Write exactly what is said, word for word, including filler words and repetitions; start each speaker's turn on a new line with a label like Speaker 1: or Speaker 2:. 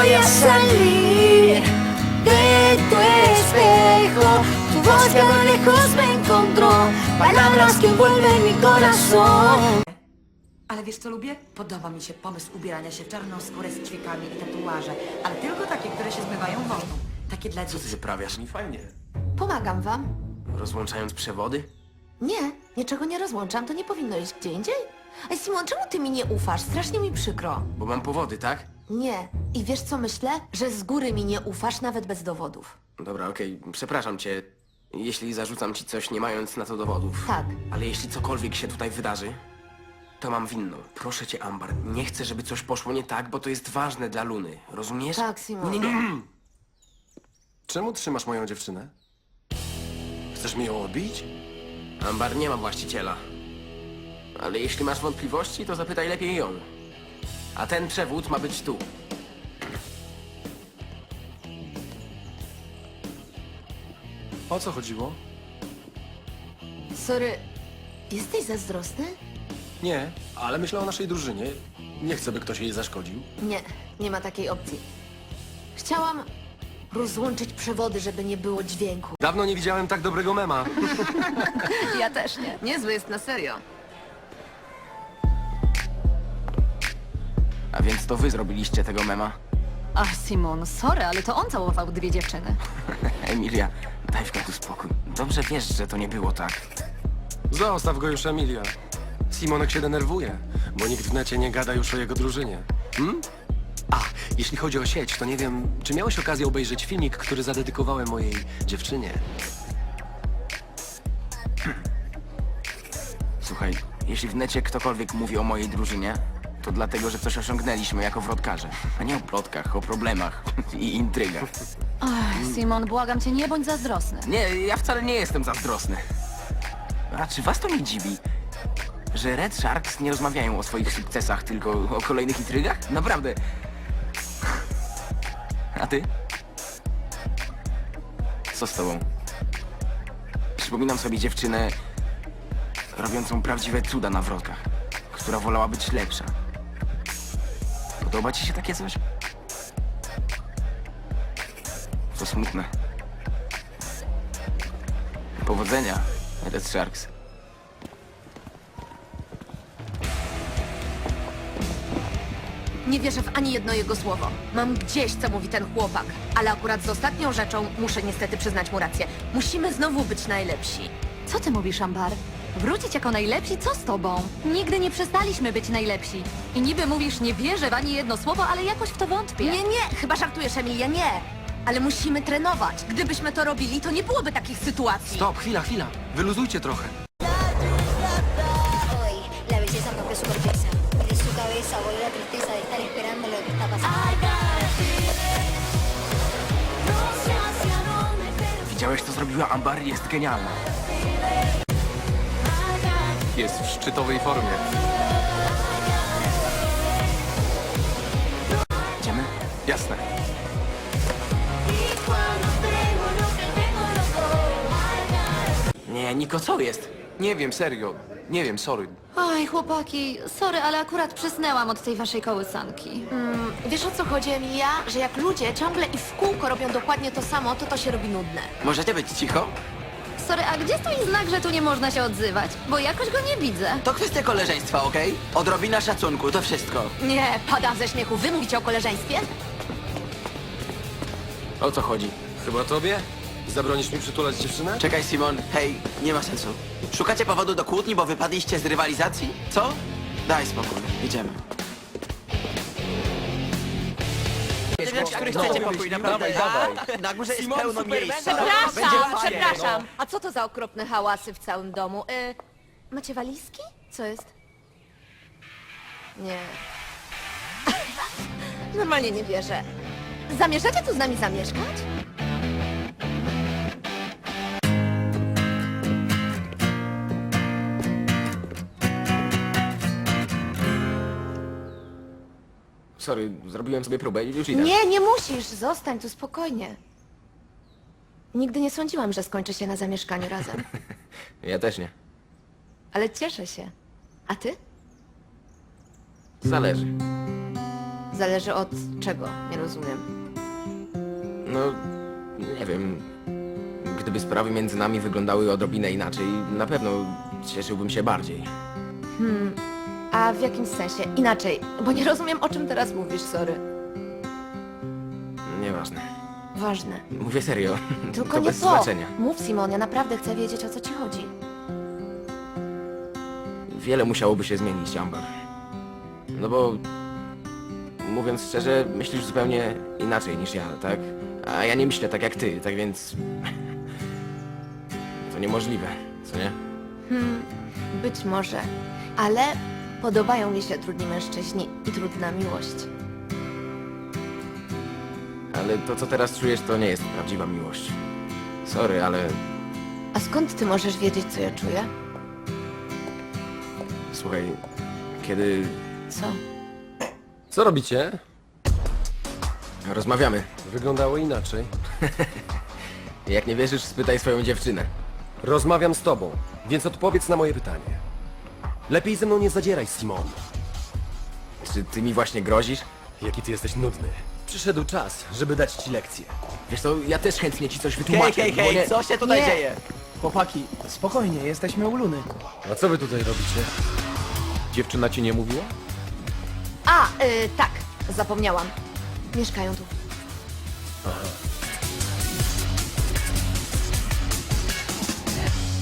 Speaker 1: voy a salir de tu espejo. Tu voz que a lo lejos me encontró, palabras que envuelven mi corazón.
Speaker 2: Ale wiesz co lubię? Podoba mi się pomysł ubierania się w czarną skórę z ćwiekami i tatuaże, ale tylko takie, które się zmywają wodą. Takie dla
Speaker 3: Co ty
Speaker 2: dzieci.
Speaker 3: wyprawiasz?
Speaker 4: Nie fajnie.
Speaker 1: Pomagam wam.
Speaker 3: Rozłączając przewody?
Speaker 1: Nie, niczego nie rozłączam, to nie powinno iść gdzie indziej. Ej, Simon, czemu ty mi nie ufasz? Strasznie mi przykro.
Speaker 3: Bo mam powody, tak?
Speaker 1: Nie. I wiesz co myślę? Że z góry mi nie ufasz, nawet bez dowodów.
Speaker 3: Dobra, okej, przepraszam cię, jeśli zarzucam ci coś nie mając na to dowodów.
Speaker 1: Tak.
Speaker 3: Ale jeśli cokolwiek się tutaj wydarzy, to mam winną. Proszę cię, Ambar, nie chcę, żeby coś poszło nie tak, bo to jest ważne dla Luny. Rozumiesz?
Speaker 1: Tak, Simon.
Speaker 3: Nie, nie, nie.
Speaker 4: Czemu trzymasz moją dziewczynę? Chcesz mi ją odbić?
Speaker 3: Ambar nie ma właściciela. Ale jeśli masz wątpliwości, to zapytaj lepiej ją. A ten przewód ma być tu.
Speaker 4: O co chodziło?
Speaker 1: Sorry, jesteś zazdrosny?
Speaker 4: Nie, ale myślę o naszej drużynie. Nie chcę, by ktoś jej zaszkodził.
Speaker 1: Nie, nie ma takiej opcji. Chciałam rozłączyć przewody, żeby nie było dźwięku.
Speaker 4: Dawno nie widziałem tak dobrego mema.
Speaker 1: Ja też nie. Niezły jest na serio.
Speaker 3: A więc to wy zrobiliście tego mema.
Speaker 5: Ach, Simon, sorry, ale to on całował dwie dziewczyny.
Speaker 3: Emilia, daj w końcu spokój. Dobrze wiesz, że to nie było tak.
Speaker 4: Zostaw go już, Emilia. Simonek się denerwuje, bo nikt w necie nie gada już o jego drużynie. Hmm? A, jeśli chodzi o sieć, to nie wiem, czy miałeś okazję obejrzeć filmik, który zadedykowałem mojej dziewczynie?
Speaker 3: Słuchaj, jeśli w necie ktokolwiek mówi o mojej drużynie, to dlatego, że coś osiągnęliśmy jako wrotkarze. A nie o plotkach, o problemach i intrygach.
Speaker 5: Ach, Simon, błagam cię, nie bądź zazdrosny.
Speaker 3: Nie, ja wcale nie jestem zazdrosny. A czy was to nie dziwi, że Red Sharks nie rozmawiają o swoich sukcesach, tylko o kolejnych intrygach? Naprawdę. A ty? Co z tobą? Przypominam sobie dziewczynę robiącą prawdziwe cuda na wrotkach, która wolała być lepsza. Podoba ci się takie coś? To smutne. Powodzenia, Red Sharks.
Speaker 1: Nie wierzę w ani jedno jego słowo. Mam gdzieś, co mówi ten chłopak. Ale akurat z ostatnią rzeczą muszę niestety przyznać mu rację. Musimy znowu być najlepsi.
Speaker 5: Co ty mówisz, Ambar? Wrócić jako najlepsi? Co z tobą? Nigdy nie przestaliśmy być najlepsi. I niby mówisz, nie wierzę w ani jedno słowo, ale jakoś w to wątpię.
Speaker 1: Nie, nie, chyba żartujesz, Emilia, nie. Ale musimy trenować. Gdybyśmy to robili, to nie byłoby takich sytuacji.
Speaker 4: Stop, chwila, chwila. Wyluzujcie trochę.
Speaker 6: Hoy la belleza rompe su corteza y de su cabeza vuelve la tristeza de estar esperando lo que está pasando.
Speaker 3: Widziałeś, co zrobiła Ambar? Jest genialna.
Speaker 4: Jest w szczytowej formie.
Speaker 3: Idziemy?
Speaker 4: Jasne.
Speaker 3: Nie, Niko, co jest?
Speaker 4: Nie wiem, serio. Nie wiem, sorry.
Speaker 5: Oj, chłopaki, sorry, ale akurat przysnęłam od tej waszej kołysanki.
Speaker 1: Mm, wiesz o co chodzi, Emilia? Że jak ludzie ciągle i w kółko robią dokładnie to samo, to to się robi nudne.
Speaker 3: Możecie być cicho?
Speaker 5: Sorry, a gdzie stoi znak, że tu nie można się odzywać? Bo jakoś go nie widzę.
Speaker 7: To kwestia koleżeństwa, okej? Odrobina szacunku, to wszystko.
Speaker 1: Nie, padam ze śmiechu. Wy mówicie o koleżeństwie?
Speaker 3: O co chodzi?
Speaker 4: Chyba tobie? Zabronisz mi przytulać dziewczynę?
Speaker 7: Czekaj, Simon, hej, nie ma sensu. Szukacie powodu do kłótni, bo wypadliście z rywalizacji? Co? Daj spokój, idziemy. W których chcecie pokój, naprawdę. Na górze jest pełno miejsca.
Speaker 1: Przepraszam,
Speaker 7: Będzie fajnie.
Speaker 1: przepraszam. A co to za okropne hałasy w całym domu? Y, macie walizki? Co jest? Nie. Normalnie nie wierzę. Zamierzacie tu z nami zamieszkać?
Speaker 3: Sorry, zrobiłem sobie próbę i już idę.
Speaker 1: Nie, nie musisz. Zostań tu spokojnie. Nigdy nie sądziłam, że skończy się na zamieszkaniu razem.
Speaker 3: Ja też nie.
Speaker 1: Ale cieszę się. A ty?
Speaker 3: Zależy.
Speaker 8: Zależy od czego, nie rozumiem.
Speaker 3: No, nie wiem. Gdyby sprawy między nami wyglądały odrobinę inaczej, na pewno cieszyłbym się bardziej.
Speaker 8: A w jakim sensie? Inaczej, bo nie rozumiem, o czym teraz mówisz, sorry.
Speaker 3: Nieważne.
Speaker 8: Ważne.
Speaker 3: Mówię serio.
Speaker 8: Tylko
Speaker 3: to
Speaker 8: nie
Speaker 3: bez
Speaker 8: to.
Speaker 3: znaczenia.
Speaker 8: Mów, Simon, ja naprawdę chcę wiedzieć, o co ci chodzi.
Speaker 3: Wiele musiałoby się zmienić, Amber. No bo... Mówiąc szczerze, myślisz zupełnie inaczej niż ja, tak? A ja nie myślę tak jak ty, tak więc... To niemożliwe, co nie?
Speaker 8: Być może, ale podobają mi się trudni mężczyźni i trudna miłość.
Speaker 3: Ale to, co teraz czujesz, to nie jest prawdziwa miłość. Sorry, ale...
Speaker 8: A skąd ty możesz wiedzieć, co ja czuję?
Speaker 3: Słuchaj, kiedy
Speaker 8: Co?
Speaker 4: Co robicie?
Speaker 3: rozmawiamy,
Speaker 4: Wyglądało inaczej.
Speaker 3: jak nie wierzysz, spytaj swoją dziewczynę.
Speaker 4: Rozmawiam z tobą, więc odpowiedz na moje pytanie. Lepiej ze mną nie zadzieraj, Simon.
Speaker 3: Czy ty mi właśnie grozisz?
Speaker 4: Jaki ty jesteś nudny. Przyszedł czas, żeby dać ci lekcję.
Speaker 3: Wiesz co, ja też chętnie ci coś
Speaker 7: Hej,
Speaker 3: wytłumaczę,
Speaker 7: hej,
Speaker 3: bo
Speaker 7: hej,
Speaker 3: nie...
Speaker 7: co się tutaj
Speaker 8: Nie.
Speaker 7: dzieje?
Speaker 9: Chłopaki, spokojnie, jesteśmy u Luny.
Speaker 4: A co wy tutaj robicie?
Speaker 10: Dziewczyna ci nie mówiła?
Speaker 8: A, y, tak, zapomniałam. Mieszkają tu.
Speaker 4: Aha.